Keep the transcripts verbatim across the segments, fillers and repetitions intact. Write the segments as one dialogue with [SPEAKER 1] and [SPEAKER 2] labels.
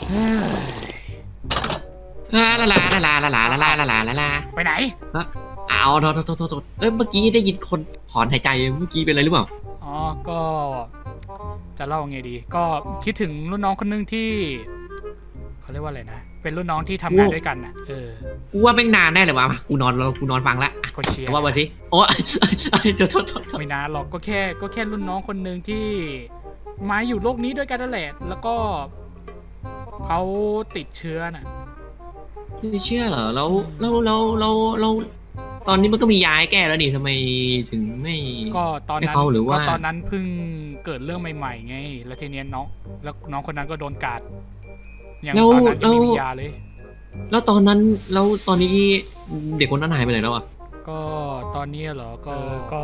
[SPEAKER 1] ลาลาลาลาลาลาลาลาลาลาลาลา
[SPEAKER 2] ไปไหน
[SPEAKER 1] เอาโทษโทษโทษโทษเอ้ยเมื่อกี้ได้ยินคนถอนหายใจเมื่อกี้เป็นอะไรหรือเปล่า
[SPEAKER 2] อ๋อก็จะเล่าไงดีก็คิดถึงรุ่นน้องคนนึงที่เขาเรียกว่าอะไรนะเป็นรุ่นน้องที่ทำงานด้วยกันอ่ะเออ
[SPEAKER 1] กูว่าแม่งนานแน่เลยวะกูนอนแล้วกูนอนฟังละ
[SPEAKER 2] คนเชียร์
[SPEAKER 1] ว่ามาสิโอ้ยโทษโทษโทษ
[SPEAKER 2] ไม่นานหรอกก็แค่ก็แค่รุ่นน้องคนหนึ่งที่มาอยู่โลกนี้ด้วยกันนั่นแหละแล้วก็เขาติดเชื้อน่ะ
[SPEAKER 1] ไม่เชื่อเหรอแล้วแล้วแล้วแล้วแล้วตอนนี้มันก็มียาให้แก้แล้วนี่ทำไมถึงไม่
[SPEAKER 2] ก็ตอนนั้น
[SPEAKER 1] หรือว่า
[SPEAKER 2] ก็ตอนนั้นเพิ่งเกิดเรื่องใหม่ๆไงแล้วทีนี้น้องแล้วน้องคนนั้นก็โดนกัดอย่างตอนนั้นยังไม่มียาเลย
[SPEAKER 1] แล้วตอนนั้นแล้วตอนนี้เด็กคนนั้นหายไปไหนแล้วอ่ะ
[SPEAKER 2] ก็ตอนนี้เหรอก็ก็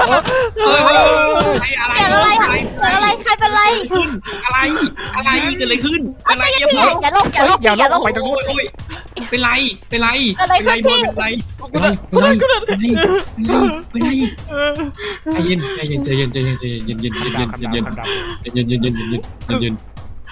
[SPEAKER 3] อะไรอะไรเกิดอะไรใครเป็นไร
[SPEAKER 1] อะไรอะไรเกิดอะไรขึ้นอะไร
[SPEAKER 3] อย่าอย่าอย่าลงอย่าลงอย่าลง
[SPEAKER 2] ไปตรงนู้น
[SPEAKER 1] เป็นไรเป็นไร
[SPEAKER 3] อะไรขึ้นพี่
[SPEAKER 1] เป็นไรเป็นไรเป็นไรเป็นไรใจเย็นใจเย็นใจเย็นใจเย็นใจเย็นเย็นเย็นเย็นเย็นเย็นเย็นเย็นเย็นเย็นเย็นเย็น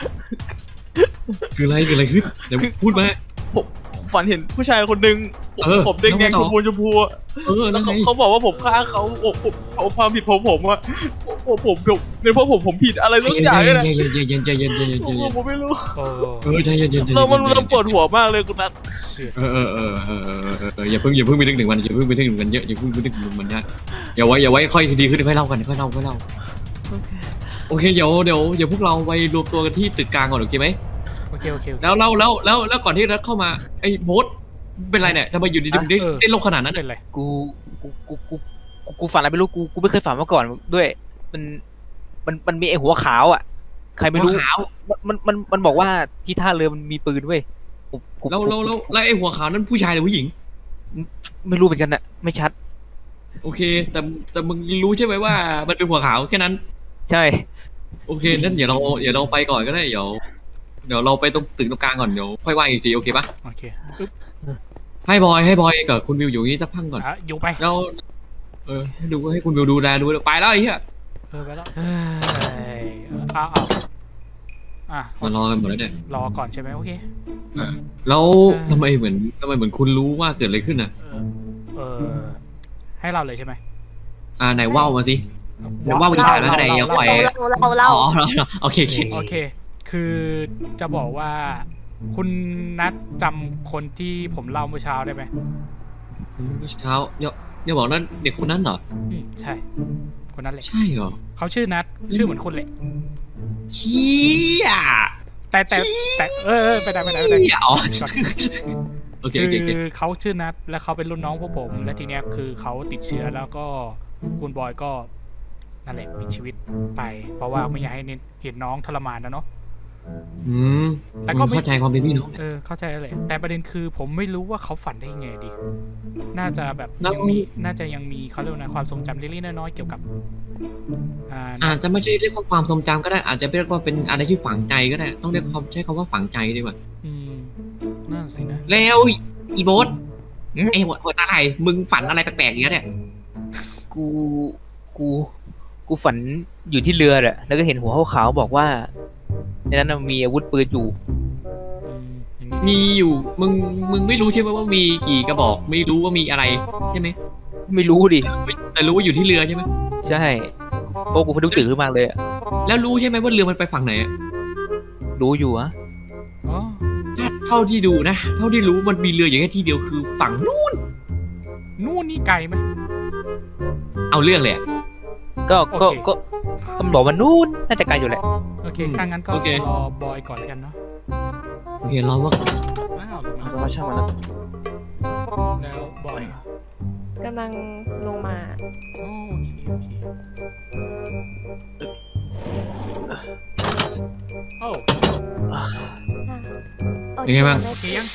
[SPEAKER 1] คืออะไรเกิดอะไรขึ้นเดี๋ยวพูดมา
[SPEAKER 4] ผมฝันเห็นผู้ชายคนหนึ่งผมแดงแดงชมพูชมพูแล้วเขาบอกว่าผมฆ่าเขาผมเขาความผิดผมผมอะผมผมเป็นเพราะผมผมผิดอะไรสักอย่างเลยนะ
[SPEAKER 1] ใจเย็นใจเย็นใจเย็นใจเย็นใจเย็น
[SPEAKER 4] ผมไม่รู้
[SPEAKER 1] เออใจเย็นใจเย็น
[SPEAKER 4] เรามันเราปวดหัวมากเลยคุณนัท
[SPEAKER 1] เออเออเออเออเอออย่าเพิ่งอย่าเพิ่งไปนึกถึงมันอย่าเพิ่งไปนึกถึงมันเยอะอย่าเพิ่งไปนึกถึงมันนะอย่าไว้อย่าไว้ค่อยดีขึ้นค่อยเล่ากันค่อยเล่าค่อยเล่าโอเคเดี๋ยวเดี๋ยวเดี๋ยวพวกเราไปรวมตัวกันที่ตึกกลางก่อนโอเคไหม
[SPEAKER 2] โอเคโอเค
[SPEAKER 1] แล้วแล้วแล้วแล้วแล้วก่อนที่นัทเข้ามาไอ้โบ๊ทเป็นไรเนี่ยทำไมอยู่ดีๆได้ได้โลกขนาดนั้น
[SPEAKER 2] เลย
[SPEAKER 4] กูกูกูกูกูฝันอะไรไม่รู้กูกูไม่เคยฝันมาก่อนด้วยมันมันมันมีไอ้หัวขาวอ่ะใครไม่รู้มันมันมันบอกว่าที่ท่าเรือมันมีปืนเว้ย
[SPEAKER 1] แล้วแล้วแล้วแล้วไอ้หัวขาวนั้นผู้ชายหรือผู้หญิง
[SPEAKER 4] ไม่รู้เหมือนกันอะไม่ชัด
[SPEAKER 1] โอเคแต่แต่มึงรู้ใช่ไหมว่ามันเป็นหัวขาวแค่นั้น
[SPEAKER 4] ใช่
[SPEAKER 1] โอเคนั่นเดี๋ยวเราเดี๋ยวเราไปก่อนก็ได้เดี๋ยวเดี๋ยวเราไปตรงตึกตรงกลางก่อนเดี๋ยวค่อยว่าอีกทีโอเคปะ
[SPEAKER 2] โอเค
[SPEAKER 1] ให้บอยให้บอยกับคุณวิวอยู่นี่สักพักก่อน
[SPEAKER 2] อยู่ไป
[SPEAKER 1] แล้วเออให้ดูให้คุณวิวดูแลดูไปแล้วไอ้เหี้ย
[SPEAKER 2] เออไปแล้วอ้าวอ้าวอ่ะ
[SPEAKER 1] มารอกันหมดแล้วเนี่ย
[SPEAKER 2] รอก่อนใช่ไหมโอเค
[SPEAKER 1] แล้วทำไมเหมือนทำไมเหมือนคุณรู้ว่าเกิดอะไรขึ้นอ่ะ
[SPEAKER 2] เออให้เราเลยใช่ไหม
[SPEAKER 1] อ่าไหนว่าวมาสิไหนว่าวอีสานแล้วไหนยังปล่อย
[SPEAKER 3] เราเรา
[SPEAKER 1] อ๋อโอเค
[SPEAKER 2] โอเคคือจะบอกว่าคุณนัดจำคนที่ผมเล่าเมื่อเช้าได้ไหม
[SPEAKER 1] เมื่อเช้าเดี๋ยวเดี๋ยวบอกนั้นเด็กคนนั้นเหรอ
[SPEAKER 2] อืมใช่คนนั้นแหละ
[SPEAKER 1] ใช่เหรอ
[SPEAKER 2] เขาชื่อนัดชื่อเหมือนคนแหละ
[SPEAKER 1] เชี่ย
[SPEAKER 2] แต่แต่แต่เออไปไหนไปไหนไปไหน
[SPEAKER 1] อ๋อโอเคโอเค
[SPEAKER 2] คือเขาชื่อนัดและเขาเป็นรุ่นน้องพวกผมและทีเนี้ยคือเขาติดเชื้อแล้วก็คุณบอยก็นั่นแหละปิดชีวิตไปเพราะว่าไม่อยากให้เห็นน้องทรมานนะเนาะ
[SPEAKER 1] อืมแต่ก็เข้าใจความเป็นพี่น้อง
[SPEAKER 2] เออเข้าใจเลยแต่ประเด็นคือผมไม่รู้ว่าเขาฝันได้ยังไงดีน่าจะแบบยังมีน่าจะยังมีเขาเรียกนะความทรงจำเล็กๆน้อยๆเกี่ยวกับ
[SPEAKER 1] อาจจะไม่ใช่เรียกว่าความทรงจำก็ได้อาจจะเรียกว่าเป็นอะไรที่ฝังใจก็ได้ต้องเรียกความใช้คำว่าฝังใจดีกว่า
[SPEAKER 2] อืมนั่นสินะ
[SPEAKER 1] แล้วอีโบ๊ทไอ้หัวหัวตาไหลมึงฝันอะไรแปลกๆอย่างเงี้ยเนี่ย
[SPEAKER 4] กูกูกูฝันอยู่ที่เรือแหละแล้วก็เห็นหัวขาวๆบอกว่าในนั้นมีอาวุธปืนอยู่
[SPEAKER 1] มีอยู่มึงมึงไม่รู้ใช่ไหมว่ามีกี่กระบอกไม่รู้ว่ามีอะไรใช่ไหม
[SPEAKER 4] ไม่รู้ดิ
[SPEAKER 1] แต่รู้ว่าอยู่ที่เรือใช่ไหม
[SPEAKER 4] ใช่โอ้กูพดุกตื่นขึ้นมาเลย
[SPEAKER 1] แล้วรู้ใช่ไหมว่าเรือมันไปฝั่งไหน
[SPEAKER 4] รู้อยู่อะ
[SPEAKER 1] เท่าที่ดูนะเท่าที่รู้มันมีเรืออย่างแค่ที่เดียวคือฝั่งนู้น
[SPEAKER 2] นู่นนี่ไกลไหม
[SPEAKER 1] เอาเรื่องเลย
[SPEAKER 4] ก็ก็ก็ตำรวจมันนู่นน่าจะไกลอยู่แหละ
[SPEAKER 2] โอเคถ้างั้นก็รอบอยก่อนแล้วกันเนาะ
[SPEAKER 1] โอเครอว่า
[SPEAKER 2] อ้าว
[SPEAKER 4] มาช่างมันแล้ว
[SPEAKER 2] แล้วบอย
[SPEAKER 3] กำลังลงมา
[SPEAKER 2] โอเคโอเคโอ้
[SPEAKER 1] ยังไงบ้าง
[SPEAKER 2] โอเคยัง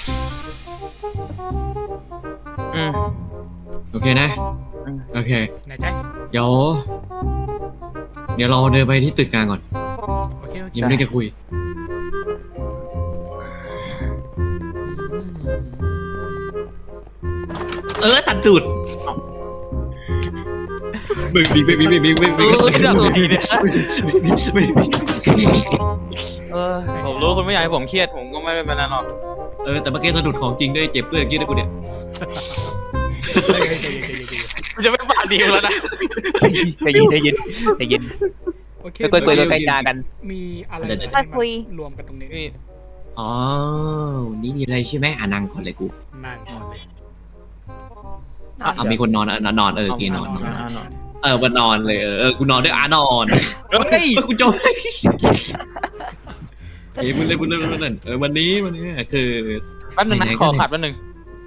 [SPEAKER 4] อืม
[SPEAKER 1] โอเคนะโอเค
[SPEAKER 2] ไหนใจ
[SPEAKER 1] เดี๋ยวเดี๋ยวเราเดินไปที่ตึกกลางก่อน
[SPEAKER 2] โอเคโอเค
[SPEAKER 1] ยังไม่ได้จะคุยเออสั่นตูดไม่มีไม่มีไม่มีไม่มี
[SPEAKER 4] เออที่เราตัวทีเนี่ย
[SPEAKER 1] ไม่มี
[SPEAKER 4] เออผมรู้คุณไม่อยากให้ผมเครียดผมก็ไม่ได้เป็นนั้นหรอก
[SPEAKER 1] เออแต่เมื่อกี้สะดุดของจริงด้วยเจ็บเพื่อนกี้ด้วยกูเนี่ย
[SPEAKER 4] มันจะไม่บาดดีแล้วนะ
[SPEAKER 5] ใจเย็นใจเย็นใจเย็น
[SPEAKER 2] โอเค
[SPEAKER 5] ค่อยๆคุยค่อยๆจากัน
[SPEAKER 2] มีอะไร
[SPEAKER 3] ค่อยคุย
[SPEAKER 2] รวมกันตรงนี้
[SPEAKER 4] นี่
[SPEAKER 1] อ๋อนี่มีอะไรใช่ไหมอ่ะนั่งก่อนเลยกู
[SPEAKER 2] นั่งก่อนเลย
[SPEAKER 1] อ่ะอ่ะมีคนนอนอ่ะนอนเออโอเคนอนนอน
[SPEAKER 4] อ่านอน
[SPEAKER 1] เออวันนอนเลยเออเออกูนอนด้วยอ่ะนอน
[SPEAKER 4] เฮ้ย
[SPEAKER 1] เออกูจบเฮ้ยมึงเล่นมึงเล่นมึงเล่นเออวันนี้วันนี้คือ
[SPEAKER 4] แป๊บนึงนะขอขับแป๊บนึง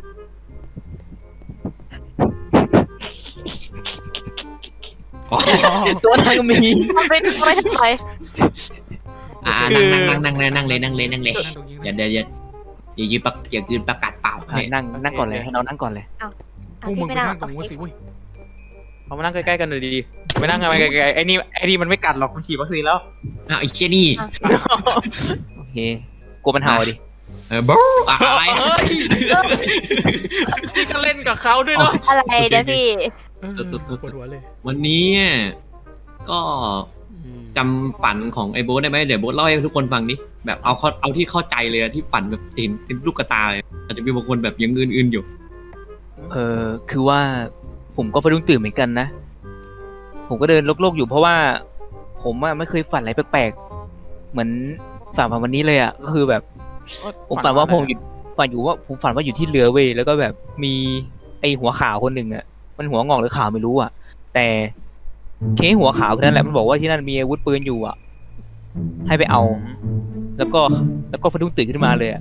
[SPEAKER 1] อ๋อ
[SPEAKER 5] ตัวนั้นก็มี
[SPEAKER 3] ทำไปทำไปทำไม
[SPEAKER 1] อ่ะนั่งนั่งนั่งนั่งนั่งเลยนั่งเลยนั่งเลย
[SPEAKER 2] นั่งตรงนี้
[SPEAKER 1] อย่าเดี๋ยวอย่าอย่ายืนประอย่ายืนประกาศเปล่า
[SPEAKER 5] อ่ะนั่งนั่งก่อนเลยให้เรานั่งก่อนเลย
[SPEAKER 2] พวกมึงไปนั่งตรงนู้นสิเว้ย
[SPEAKER 4] เอามานั่งใกล้ๆกันเลยดีไม่นั่งกันไปไกลๆไอ้นี่ไอ้นี่มันไม่กัดหรอกมันฉีดวัคซีนแล้ว
[SPEAKER 1] อ่ะไอ้เชี่ยนี่
[SPEAKER 5] โอเคกลัวมันเห่าดิ
[SPEAKER 1] เออบู๊อะไร
[SPEAKER 4] เฮ้ยนี่ก็เล่นกับเขาด้วยเนาะ
[SPEAKER 3] อะไรเดี๋ยวพี่
[SPEAKER 2] เออปวดหัวเลย
[SPEAKER 1] วันนี้ก็จำฝันของไอ้โบ๊ทได้ไหมเดี๋ยวโบ๊ทเล่าให้ทุกคนฟังดิแบบเอาเขาเอาที่เข้าใจเลยอะที่ฝันแบบเห็นเป็นลูกกระตาเลยอาจจะมีบางคนแบบยังอื่นๆอยู่
[SPEAKER 5] เออคือว่าผมก็ไปรุ่งตื่นเหมือนกันนะ ผมก็เดินโลกๆอยู่เพราะว่า ผมอะไม่เคยฝันอะไรแปลกๆเหมือนฝันวันนี้เลยอ่ะก็คือแบบ ผมฝันว่าผมอยู่ฝันอยู่ว่าผมฝันว่าอยู่ที่เรือเว้ยแล้วก็แบบมีไอหัวขาวคนหนึ่งอ่ะมันหัวงอกหรือขาวไม่รู้อ่ะ แต่เคหัวขาวคนนั้นแหละมันบอกว่าที่นั่นมีอาวุธปืนอยู่อ่ะ ให้ไปเอา แล้วก็แล้วก็พะดุ้งตื่นขึ้นมาเลยอ่ะ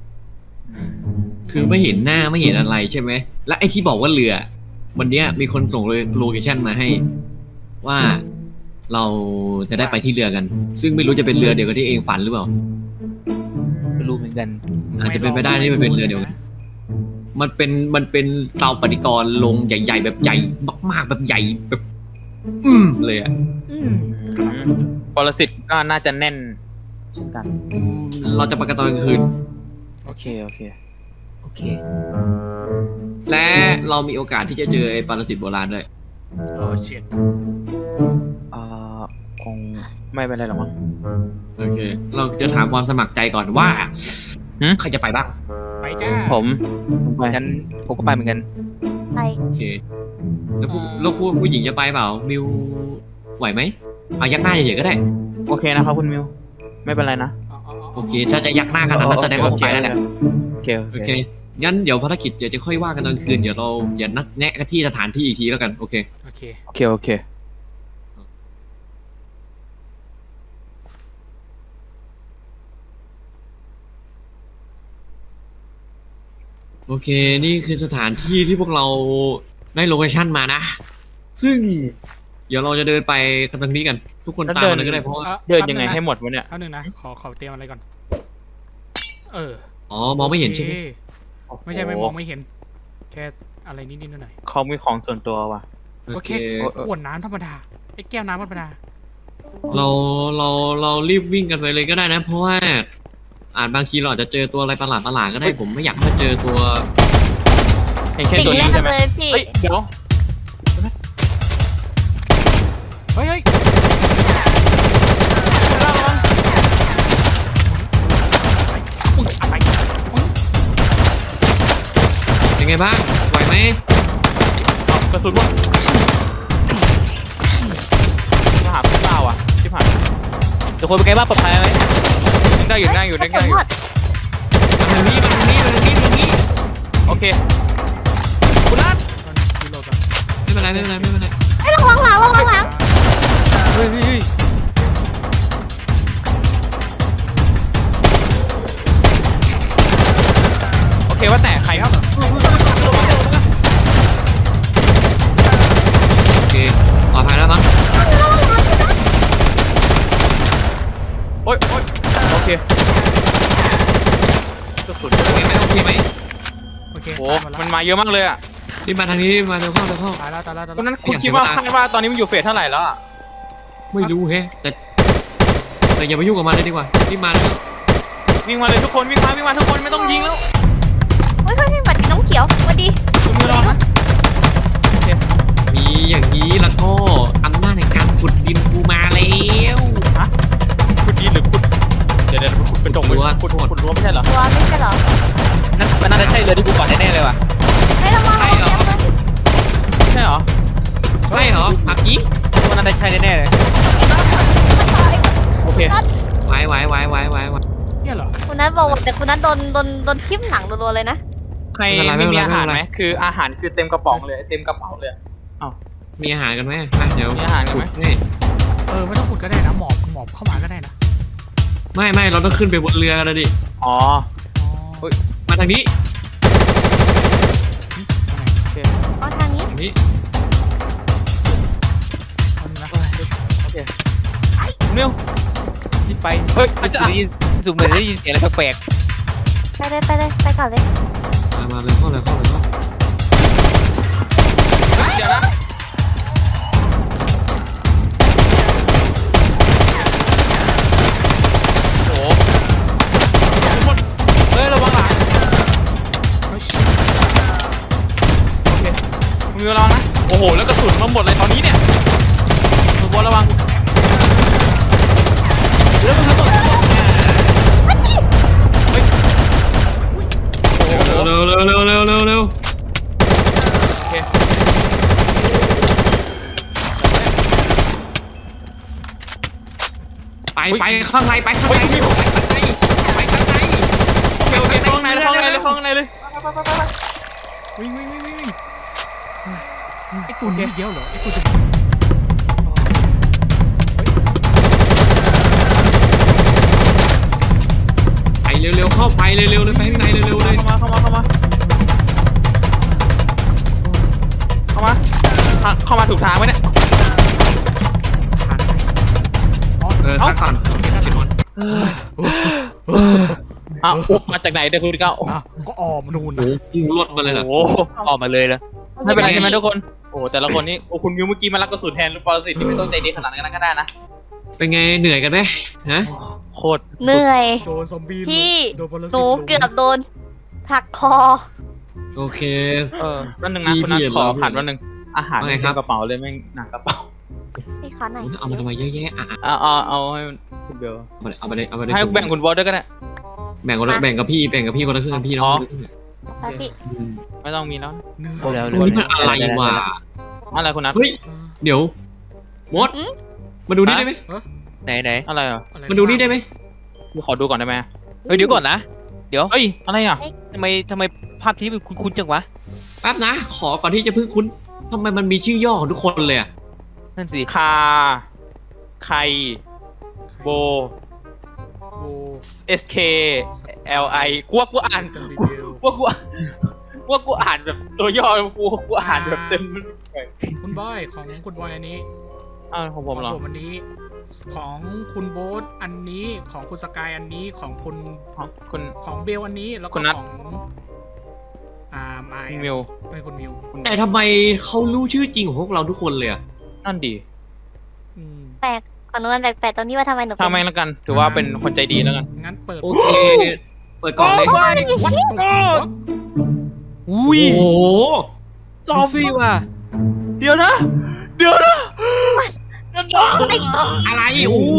[SPEAKER 1] คือไม่เห็นหน้าไม่เห็นอะไรใช่ไหมและไอ้ที่บอกว่าเรือ วันเนี้ยมีคนส่งโลเคชั่นมาให้ ว่าเราจะได้ไปที่เรือกัน ซึ่งไม่รู้จะเป็นเรือเดียวกับที่เองฝันหรือเปล่า
[SPEAKER 5] ไม่รู้เหมือนกัน
[SPEAKER 1] อาจจะเป็นไปได้ที่มันเป็นเรือเดียวกัน มันเป็นมันเป็นเตาปฏิกรณ์ลงใหญ่ ๆ แบบใหญ่มากๆแบบใหญ่แบบ อืมเลยอ่ะ
[SPEAKER 2] อืม
[SPEAKER 4] ปรสิตก็น่าจะแน่นเช่นกัน
[SPEAKER 1] อืมเราจะไปกันตอนกลางคืน
[SPEAKER 4] โอเคโอเค
[SPEAKER 5] โอเค
[SPEAKER 1] และเรามีโอกาสที่จะเจอไอ้ปรสิตโบราณด้วย
[SPEAKER 2] โอ้เชีย
[SPEAKER 4] เอ่อคงไม่เป็นไรหรอกมั้ง
[SPEAKER 1] โอเค เราจะถามความสมัครใจก่อนว่า
[SPEAKER 4] หืม
[SPEAKER 1] ใครจะไปบ้าง
[SPEAKER 2] ไปจ้า
[SPEAKER 4] ผมผมไป
[SPEAKER 5] งั้นผมก็ไปเหมือนกัน
[SPEAKER 3] ไป
[SPEAKER 1] โอเค แล้วผู้แล้วผู้ผู้หญิงจะไปเปล่า มิวไหวไหมเอายักหน้าเฉยๆก็ได้
[SPEAKER 4] โอเคนะครับคุณมิวไม่เป็นไรนะ
[SPEAKER 1] โอเค ถ้าจะยักหน้าขนาดนั้นแสดงว่าผมไปแล้วแหละ
[SPEAKER 4] โอเคโอ
[SPEAKER 1] โอ
[SPEAKER 4] เค
[SPEAKER 1] เค งั้นเดี๋ยวภารกิจเดี๋ยวจะค่อยว่ากันตอนคืน เดี๋ยวเราอย่านัดแนะกันที่สถานที่อีกทีแล้วกัน โอเค
[SPEAKER 2] โอเค
[SPEAKER 4] โอเคโอเค
[SPEAKER 1] โอเค นี่คือสถานที่ที่พวกเราได้โลเคชั่นมานะ ซึ่ง เดี๋ยวเราจะเดินไปกันตรงนี้กัน ทุกคน
[SPEAKER 4] แล้ว
[SPEAKER 1] ตาม
[SPEAKER 4] เดิน
[SPEAKER 1] มาเลยก็ได้เพราะว่า
[SPEAKER 4] เดินยังไงให้หมดวะเนี่ย
[SPEAKER 2] เอาหนึ่งนะขอขอเตรียมอะไรก่อน เออ
[SPEAKER 1] อ๋อ มองไม่เห็นใช่ไหม
[SPEAKER 2] โอคไม่ใช่ไม่มองไม่เห็น แค่อะไรนิดๆหน่อย
[SPEAKER 4] เขามีของส่วนตัวว่ะ
[SPEAKER 2] ๆ
[SPEAKER 1] โอ
[SPEAKER 2] ก็
[SPEAKER 1] เค
[SPEAKER 2] แค่ขวดน้ำธรรมดาไอ้แก้วน้ำธรรมดา
[SPEAKER 1] เราเราเรารีบวิ่งกันไปเลยก็ได้นะ เพราะว่าอาจบางทีเราอาจจะเจอตัวอะไรประหลาดประหลาดๆก็ได้ผมไม่อยากให้เจอตัว
[SPEAKER 4] เห็นแค่
[SPEAKER 3] สิ่ง
[SPEAKER 4] ตัว
[SPEAKER 3] แร
[SPEAKER 4] นี้
[SPEAKER 3] ก
[SPEAKER 4] ใช่ไหม
[SPEAKER 3] เลยพี่
[SPEAKER 4] เฮ้ยเดี๋ยว
[SPEAKER 2] เฮ้ยเฮ้ยอุ๊ยอะไรอุ๊ย
[SPEAKER 1] เป็นไงบ้างไหวไหม
[SPEAKER 4] กระสุนวะมาหาพี่เปล่าอ่ะชิบหาย
[SPEAKER 5] ทุกคนเป็นไงบ้างปลอดภัยไหม
[SPEAKER 4] ยังได้อยู่ได้อยู่ได้
[SPEAKER 3] ขอ
[SPEAKER 4] ได้อ
[SPEAKER 3] โท
[SPEAKER 4] ยู่
[SPEAKER 3] ษ
[SPEAKER 1] มาทางนี้มาทางนี้มาทางนี้มาทางนี้
[SPEAKER 4] โอเคคุณนัท
[SPEAKER 2] ตอนนี้รีโหลดก่อน
[SPEAKER 1] ไม่เป็นไรไม่เป็นไรไม่เป็นไร
[SPEAKER 3] ไอ้ยระวังหลังระวังหลัง
[SPEAKER 4] เฮ้ยเฮ้ยเฮ้ยโอเคว่าแต่ใครครับ
[SPEAKER 1] โอเคปลอดภัยแล้วมั้ง
[SPEAKER 4] โอ๊ยโอ๊ยโอเคกระสุน
[SPEAKER 1] โอเคไหมโอเคไหม
[SPEAKER 2] โอเค
[SPEAKER 4] โห
[SPEAKER 2] ตายหมด
[SPEAKER 4] มัน
[SPEAKER 2] แล้ว
[SPEAKER 4] มาเยอะมากเลยอ่ะ
[SPEAKER 1] รีบมาทางนี้รีบมาเร็วเข้าเร็วเข้า
[SPEAKER 2] ตายแล้วตายแล้วตาย
[SPEAKER 4] คุณ
[SPEAKER 2] แล้ว
[SPEAKER 4] นั้นคุณคิดว่าคาดว่าตอนนี้มันอยู่เฟสเท่าไหร่แล้วอ่ะ
[SPEAKER 1] ไม่รู้เฮ้แต่แต่อย่าไปยุ่งกับมันเลยดีกว่ารีบมาเลย
[SPEAKER 4] วิ่งมาเลยทุกคนวิ่งมาวิ่งมาทุกคนไม่ต้องยิงแล้ว
[SPEAKER 3] เฮ้ยเฮ้ยเฮ้ยบัตรน้องเขียวสวัสดี
[SPEAKER 4] คุณมือรอนะโอเค
[SPEAKER 1] มีอย่างนี้แล้วก็อำนาจในการขุดดินกูมาแล้ว
[SPEAKER 4] คุณดีหรือคุณเดี๋ยวเดี๋ยวคุณเป็นจง
[SPEAKER 1] รั้ว
[SPEAKER 4] คุณคุณรั้วไม่ใช่เหรอ
[SPEAKER 3] ตัวไม่ใช่เหรอ
[SPEAKER 5] นั่นมันน่าจะใช่เลยที่กูก่อนแน่ๆเลยว่ะ
[SPEAKER 3] ไม่ระวัง
[SPEAKER 1] ใช่เหรอ
[SPEAKER 4] ใช่เหรอ
[SPEAKER 1] ใช่เหรออักกี้
[SPEAKER 5] ว่าน่าจะใช่แน่ๆเลย
[SPEAKER 4] โอเค
[SPEAKER 1] ไว้ไว้ไว้ไว้ไว้ไว้
[SPEAKER 2] เนี่ยเหรอ
[SPEAKER 3] คุณนัทบอกว่าแต่คุณนัทโดนโดนโดนทิ่มหนังรัวๆเลยนะ
[SPEAKER 4] ใครไม่มีอาหารไหมคืออาหารคือเต็มกระป๋องเลยเต็มกระเป๋าเลย
[SPEAKER 1] มีอาหารกันไหมมาเดี๋ยว
[SPEAKER 4] มีอาหารกันไหม
[SPEAKER 1] นี่
[SPEAKER 2] เออไม่ต้องขุดก็ได้นะหมอบหมอบเข้ามาก็ได้นะ
[SPEAKER 1] ไม่ไม่เราต้องขึ้นไปบนเรือกันนะดิ
[SPEAKER 4] อ๋อ
[SPEAKER 2] อ๋อ
[SPEAKER 1] มาทางนี้
[SPEAKER 3] อ๋อทางนี้
[SPEAKER 1] ทางนี้
[SPEAKER 2] เอานะ
[SPEAKER 4] โอเคมิว
[SPEAKER 5] ที่ไป
[SPEAKER 4] เฮ้ยอาจจะ
[SPEAKER 5] ได้ยินสุ่มเลยได้ยินเสียงอะไรแปลก
[SPEAKER 3] ไปเลยไปเลยไปก่อนเลย
[SPEAKER 1] มามาเลยเข้าเลยเข้าเลยเข้า
[SPEAKER 4] เดี๋ยวนะโอ้โหเฮ้ยระวังหลัง
[SPEAKER 2] เฮ้ย
[SPEAKER 4] โอเคมิวระวังนะโอ้โหแล้วกระสุนมาหมดเลยตอนนี้เนี่ยคุณบอลระวัง
[SPEAKER 5] ๆแล้วมันก็บอก
[SPEAKER 1] เร็วเร็วเร็วเร็วเร็วเร็ว
[SPEAKER 4] โอเค
[SPEAKER 1] ไปไปข้างในไปข้างในไปข้างในไปข้างใน
[SPEAKER 4] โอเคโอเคเข้าข้างในเลยเข้าข้างในเลยเข้าข้างในเลย
[SPEAKER 2] วิ่งวิ่งวิ่งวิ่งวิ่งไอ้ตัวนี้เยอะเหรอไอ้ตัวจะ
[SPEAKER 1] ไปเร็วเร็วเข้าไปเร็วเร็วเลยไปข้างในเร็วเร็วเลย
[SPEAKER 4] เข้ามาเข้ามาเข้ามาเข้ามาเข้าเข้ามาถูกทางไหมเนี่ย
[SPEAKER 1] เออข้างก่อน
[SPEAKER 4] อ้าวมาจากไหนเดี๋ยวคุณเก้า
[SPEAKER 2] อ่ะก็ออมนูน
[SPEAKER 1] โอ้
[SPEAKER 2] นะ
[SPEAKER 1] โหพุ่งรวดมาเลยล่ะ
[SPEAKER 4] โอ้โห
[SPEAKER 5] ออกมาเลยแล้ว
[SPEAKER 4] ไม่เป็นไรใช่ไหมทุกคนโอ้แต่ละคนนี่โอ้คุณมิวเมื่อกี้มารับกระสุนแทนลูกปรสิตที่ไม่ต้องใจดีขนาดนั้นก็ได้นะ
[SPEAKER 1] เป็นไงเหนื่อยกันไหมฮะ
[SPEAKER 4] โคตร
[SPEAKER 3] เหนื่อย
[SPEAKER 2] โดนซอมบี้
[SPEAKER 3] พี่
[SPEAKER 2] โดนปรสิต
[SPEAKER 3] หนู
[SPEAKER 2] ลุม
[SPEAKER 3] เกือบโดนหักคอ
[SPEAKER 1] โอเค
[SPEAKER 4] เออวันหนึ่งนะคุณนัทขอขันวันหนึ่งอาหาร
[SPEAKER 1] ว่าไง
[SPEAKER 4] ใน
[SPEAKER 1] ครับ
[SPEAKER 4] กระเป๋าเลยแม่งหนักกระเป๋า
[SPEAKER 3] พี่ขอหน่อย
[SPEAKER 1] เอามาทำไมเยอะแยะอ่ะ
[SPEAKER 4] เอาเอาเอาให้คุณเบล
[SPEAKER 1] เอาไปเลยเอาไปเลย
[SPEAKER 4] ให้แบ่งคุณบอสด้วยก็ได้
[SPEAKER 1] แบ่งคนละแบ่งกับพี่แบ่งกับพี่คนละครึ่งพี่น้อง
[SPEAKER 3] ไปพี่
[SPEAKER 4] ไม่ต้องมีแล้ว
[SPEAKER 2] เหนื่อย
[SPEAKER 5] เอาแล้ว
[SPEAKER 1] ตรงนี้มันอะไรวะ
[SPEAKER 4] อะไรคุณนัท
[SPEAKER 1] เฮ้ยเดี๋ยวมดมาดูนี่ได้ไหม
[SPEAKER 5] ไหนไหน
[SPEAKER 4] อะไรอ่ะ
[SPEAKER 2] อะไร
[SPEAKER 1] มาดูนี่ได้ไหม
[SPEAKER 4] ขอดูก่อนได้ไหม
[SPEAKER 5] เฮ้ยเดี๋ยวก่อนนะ
[SPEAKER 4] เฮ้ยอะไรอ่ะ
[SPEAKER 5] ทำไมทำไมภาพที่มันคุ้นๆจังวะ
[SPEAKER 1] แป๊บนะ ขอก่อนที่จะพึ่งคุณทำไมมันมีชื่อย่อของทุกคนเลยอ่ะ
[SPEAKER 5] นั่นสิ
[SPEAKER 4] คาไคโบ
[SPEAKER 2] โอ้
[SPEAKER 4] S K L I กูว่ากูอ่าน
[SPEAKER 2] กันรี
[SPEAKER 4] กู
[SPEAKER 2] วิว
[SPEAKER 4] ว่ากูกูว่ากูอ่านแบบตัวย่อกูกูอ่านแบบเต็ม
[SPEAKER 2] คุณบอยของคุณบอยอันนี้
[SPEAKER 4] อ้าวของผมเหรอ
[SPEAKER 2] ของผมอันนี้ ของคุณโบ๊ทอันนี้ของคุณสกายอันนี้ของคุณ
[SPEAKER 4] คุณ
[SPEAKER 2] ของเบลอันนี้แล้ว
[SPEAKER 4] คุ
[SPEAKER 2] ก็
[SPEAKER 4] ณนัท
[SPEAKER 2] ของอ่าไมาย
[SPEAKER 4] มิว
[SPEAKER 2] ไม่คุณมิว
[SPEAKER 1] แต่ทำไมเขารู้ชื่อจริงของพวกเราทุกคนเลยอ่ะ
[SPEAKER 4] นั่นดี
[SPEAKER 2] อืม
[SPEAKER 3] แปลกก่อนนู้นแปลกๆตรงนี้ว่าทำไมหนูเป็น
[SPEAKER 4] ทำไมแล้วกัน ถือว่าเป็นคนใจดีแล้วกัน
[SPEAKER 2] งั้นเปิด
[SPEAKER 1] โอเค เปิดกล่องเลย
[SPEAKER 2] วัดโอ้
[SPEAKER 5] อุ้ย
[SPEAKER 1] โอ้โห
[SPEAKER 4] จอม
[SPEAKER 5] ฟี่ว่ะ
[SPEAKER 4] เดี๋ยวนะ เดี๋ยวนะเดี๋ยวนะ
[SPEAKER 1] อะไรโอ้โห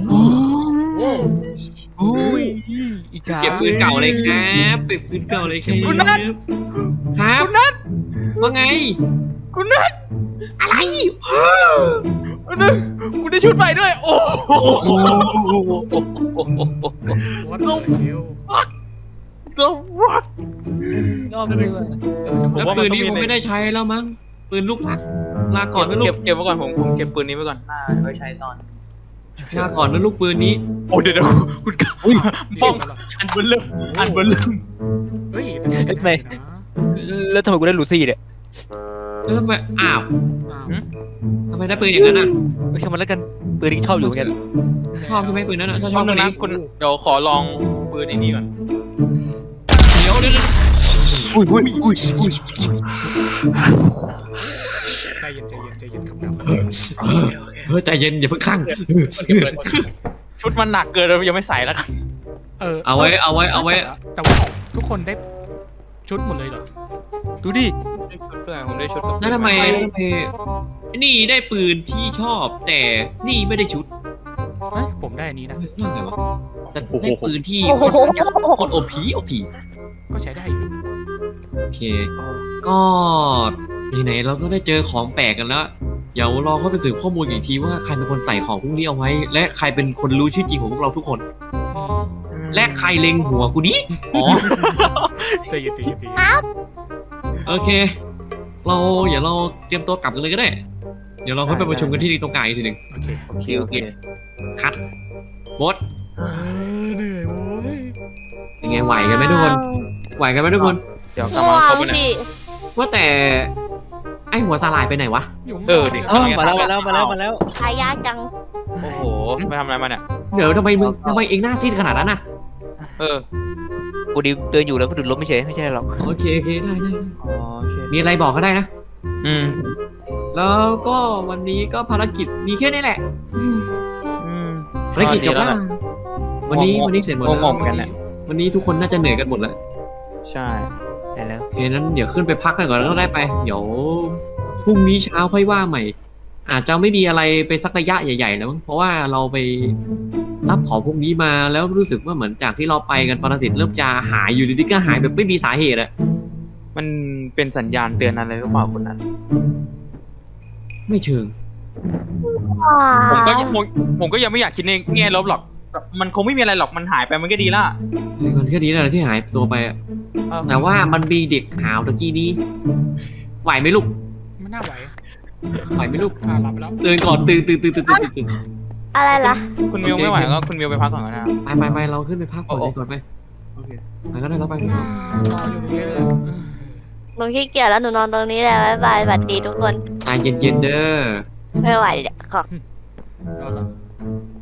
[SPEAKER 5] อุ้ยอีกา
[SPEAKER 1] เก็บปืนเก่าเลยครับเก็บปืนเก่าเลยครับ
[SPEAKER 4] คุณนัท
[SPEAKER 1] ครับ
[SPEAKER 4] คุณนัท
[SPEAKER 1] ว่าไง
[SPEAKER 4] คุณนัท
[SPEAKER 1] อะไร
[SPEAKER 4] คุณนัทคุณได้ชุดใหม่ด้วย โอ้โห
[SPEAKER 2] วัดเร็ว
[SPEAKER 4] The Rock
[SPEAKER 5] ยอดเลยว่ะ
[SPEAKER 2] เออจะบอก
[SPEAKER 1] แล้ว
[SPEAKER 4] ว่า
[SPEAKER 1] ปืน
[SPEAKER 4] มันต้อง
[SPEAKER 1] นี้
[SPEAKER 4] มี
[SPEAKER 1] ผมไม่ได้ใช้แล้วมั้งปืนลูกหลักลาก่อนนะลู
[SPEAKER 4] เก็
[SPEAKER 1] ก
[SPEAKER 4] บเก็บไว้ก่อนผมผมเก็บปืนนี้ไว้ก่อนน่าไว้ใช้ตอน
[SPEAKER 1] ลาก่อนนะลูกปืนนี้
[SPEAKER 4] โอ้เดี๋ยวเดี๋ยวคุณกอุ้ยป้องอันเบลเริ่มอันเบลเริ่ม
[SPEAKER 2] เฮ้ยแต่ไม่ใช่ได้นะ
[SPEAKER 5] แล้วทำไมกูได้ลูซี่เนี่ย
[SPEAKER 1] แล้วทำไมอ้าว
[SPEAKER 2] อ้าว
[SPEAKER 1] ทำไมได้ปืนอย่างนั้นอ่ะ
[SPEAKER 5] ไม่ใช่มันแล้วกันปืนที่ชอบอยู่เหมือนกัน
[SPEAKER 1] ชอบใช่ไหมปืนนั้นอ่ะชอบ
[SPEAKER 4] ช
[SPEAKER 1] ช
[SPEAKER 4] อ
[SPEAKER 1] อ
[SPEAKER 4] บบ นึ
[SPEAKER 1] ปื
[SPEAKER 4] ง
[SPEAKER 1] น
[SPEAKER 4] นะ
[SPEAKER 1] นี้
[SPEAKER 4] คุณเดี๋ยวขอลองปืนไอ้นี่ก่อน
[SPEAKER 1] เดี๋ยวเดี๋ยว
[SPEAKER 5] อุ้ยอุ้ยอุ้ยอุ้ย
[SPEAKER 2] ใจเย็นใจเย็นใจเย็นครับนะ
[SPEAKER 1] เฮ้ยใจเย็นอย่าเพิ่งข้าง
[SPEAKER 4] ชุดมันหนักเกินเรายังไม่ใส่แล้วกัน
[SPEAKER 2] เออ
[SPEAKER 1] เอาไว้เอาไว้เอาไว้
[SPEAKER 2] แต่ว่าทุกคนได้ชุดหมดเลยเหรอ
[SPEAKER 5] ดูดิ
[SPEAKER 4] ได้ชุดด้วยผมได้ชุดกับ
[SPEAKER 1] แล้วทำไมแล้วทำไมนี่ได้ปืนที่ชอบ แต่นี่ไม่ได้ชุด
[SPEAKER 2] เอ้ยผมได้อันนี้นะ
[SPEAKER 1] นั่นไงวะแต่ได้ปืนที่ค่อนข้างจะคนโอพีโอพี
[SPEAKER 2] ก็ใช้ได้อยู่
[SPEAKER 1] โอเค ก็ไหนๆเราก็ได้เจอของแปลกกันแล้ว เดี๋ยวเราก็ไปสืบข้อมูลอีกทีว่าใครเป็นคนใส่ของพวกนี้เอาไว้ และใครเป็นคนรู้ชื่อจริงของพวกเราทุกคน และใครเล็งหัวกูดิอ๋อ
[SPEAKER 2] ใจเย็นใจเย็นใจเย็น
[SPEAKER 1] โอเค เราเดี๋ยวเราเตรียมตัวกลับกันเลยก็ได้ เดี๋ยวเราค่อยไปประชุมกันที่ตรงกลางอีกทีหนึ่ง
[SPEAKER 2] โอเค
[SPEAKER 5] โอเคโอเค
[SPEAKER 1] คัดบด
[SPEAKER 2] เออเหนื่อยโว้ย
[SPEAKER 1] ยังไงไหวกันไหมทุกคน ไหวกันไหมทุกคน
[SPEAKER 4] เดี๋ยวกลับ
[SPEAKER 3] ว้า
[SPEAKER 4] มาครบ
[SPEAKER 3] ว
[SPEAKER 4] แล้วเนี่ย
[SPEAKER 3] พี่
[SPEAKER 1] ว่าแต่ไอหัวสาลายไปไหนวะ
[SPEAKER 2] อยู่
[SPEAKER 4] เออดิ
[SPEAKER 5] เออมาแล้วมาแล้วมาแล้วมาแล้ว
[SPEAKER 3] ตายยากจัง
[SPEAKER 4] โอ้โหไปทำอะไรมาเนี่ย
[SPEAKER 1] เดี๋ยวทำไมมึงทำไมเองหน้าซีดขนาดนั้นน่ะ
[SPEAKER 4] เออ
[SPEAKER 5] กูดิเดินอยู่แล้วก็ดุดล้มไม่เฉยไม่ใช่หรอก
[SPEAKER 1] โอเคโอเคได้ได้
[SPEAKER 4] อ๋อโอเค
[SPEAKER 1] มีอะไรบอกก็ได้นะ
[SPEAKER 5] อืม
[SPEAKER 1] แล้วก็วันนี้ก็ภารกิจมีแค่นี้แหละ
[SPEAKER 5] อืม
[SPEAKER 1] ภารกิจจบแล้ว
[SPEAKER 4] อ๋อดีแล้วแหละ
[SPEAKER 1] วันนี้วันนี้เสร็จหมดแล้ว
[SPEAKER 4] งงๆเหมือนกันแหละ
[SPEAKER 1] วันนี้ทุกคนน่าจะเหนื่อยกันหมดแล้ว
[SPEAKER 4] ใช่
[SPEAKER 5] ได้แล้ว
[SPEAKER 1] โอเคนั้นเดี๋ยวขึ้นไปพักกันก่อนแล้วก็ได้ไป เดี๋ยวพรุ่งนี้เช้าค่อยว่าใหม่ อาจจะไม่มีอะไรไปสักระยะใหญ่ๆแล้วมั้งเพราะว่าเราไปรับของพวกนี้มาแล้วรู้สึกว่าเหมือนจากที่เราไปกันปรสิตเริ่มจะหายอยู่ดีๆก็หายแบบไม่มีสาเหตุอะ
[SPEAKER 4] มันเป็นสัญญาณเตือนอะไรหรือเปล่าคนนั้น
[SPEAKER 1] ไม่เชิง
[SPEAKER 4] ผมก็ยังผมผมก็ยังไม่อยากคิดในแง่ลบหรอก มันคงไม่มีอะไรหรอก มันหายไปมันก็ดีละ
[SPEAKER 1] มันแค่นี้แหละที่หายตัวไปอะ
[SPEAKER 4] เออ
[SPEAKER 1] แต่ว่ามันมีเด็กหาวตะกี้นี้ ไหวไหมลูก
[SPEAKER 2] ไม่น่าไหว
[SPEAKER 1] ไหวไหมลูก
[SPEAKER 2] อ่าหลับไปแล้ว
[SPEAKER 1] ตื่นก่อนตื่นตื่นตื่นตื่นตื่นตื่น
[SPEAKER 3] อะไรล่ะ
[SPEAKER 4] คุณมิวไม่ไหวก็คุณมิวไปพักก่อนก็ได้ครับ
[SPEAKER 1] ไปไปไปเราขึ้นไปพักก่อนดีก่อนไป
[SPEAKER 4] โอเค
[SPEAKER 1] ไปก็ได้แล้วไป
[SPEAKER 2] นอนอยู่ตรงนี้เลย
[SPEAKER 3] หนูขี้เกียจแล้วหนูนอนตรงนี้แหละบ๊ายบายสวัสดีทุกคน
[SPEAKER 1] ใจเย็นๆเด้อ
[SPEAKER 3] ไม่ไหวเดี๋ยวขอ
[SPEAKER 2] นอนแล้ว